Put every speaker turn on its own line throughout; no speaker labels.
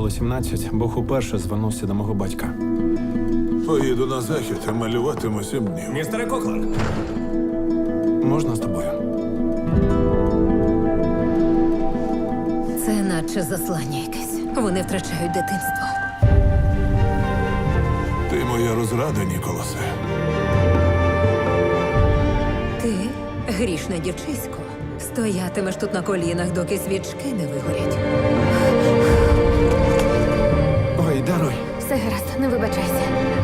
було 17, Бог уперше звернувся до мого батька.
Поїду на захід, а малюватиму 7 днів.
Містере Коклан,
Можна з тобою?
Це наче заслання якесь. Вони втрачають дитинство.
Ти моя розрада, Ніколасе.
Ти, грішне дівчисько, стоятимеш тут на колінах, доки свічки не вигорять.
Ой, даруй.
Все гаразд, не вибачайся.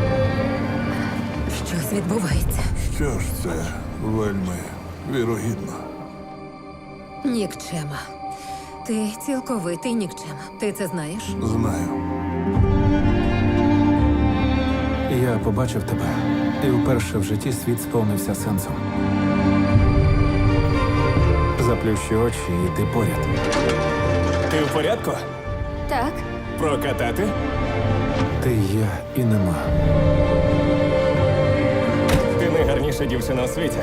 Щось відбувається.
Що ж це вельми вірогідно.
Нікчема. Ти цілковитий нікчема. Ти це знаєш?
Знаю.
Я побачив тебе, і вперше в житті світ сповнився сенсом. Заплющи очі, і ти поряд.
ти в порядку?
Так,
Прокатати?
Ти є і нема.
Ти найгарніша дівчина у світі.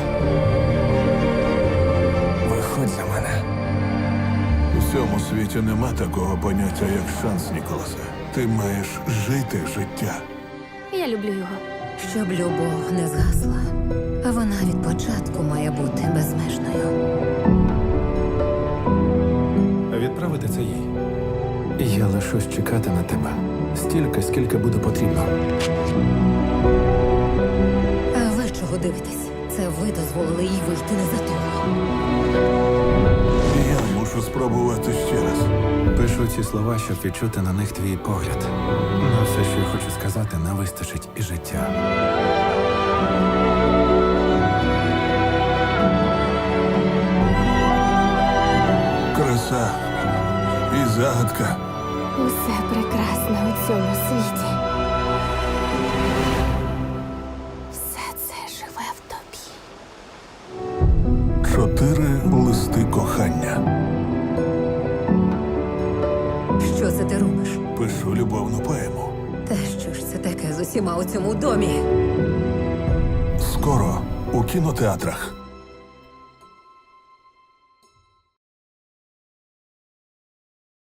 Виходь за мене.
У цьому світі нема такого поняття, як шанс, Ніколасе. Ти маєш жити життя.
я люблю його.
Щоб любов не згасла, а вона від початку має бути безмежною.
Відправити це їй. Я лишусь чекати на тебе. Стільки, скільки буде потрібно.
А ви чого дивитесь? Це ви дозволили їй вийти не за того.
Я мушу спробувати ще раз.
Пишу ці слова, щоб відчути на них твій погляд. На все, що я хочу сказати, не вистачить і життя.
Краса і загадка.
Усе прекрасне у цьому світі. Все це живе в тобі.
4 листи кохання.
Що це ти робиш?
Пишу любовну поему.
Та що ж це таке з усіма у цьому домі?
Скоро у кінотеатрах.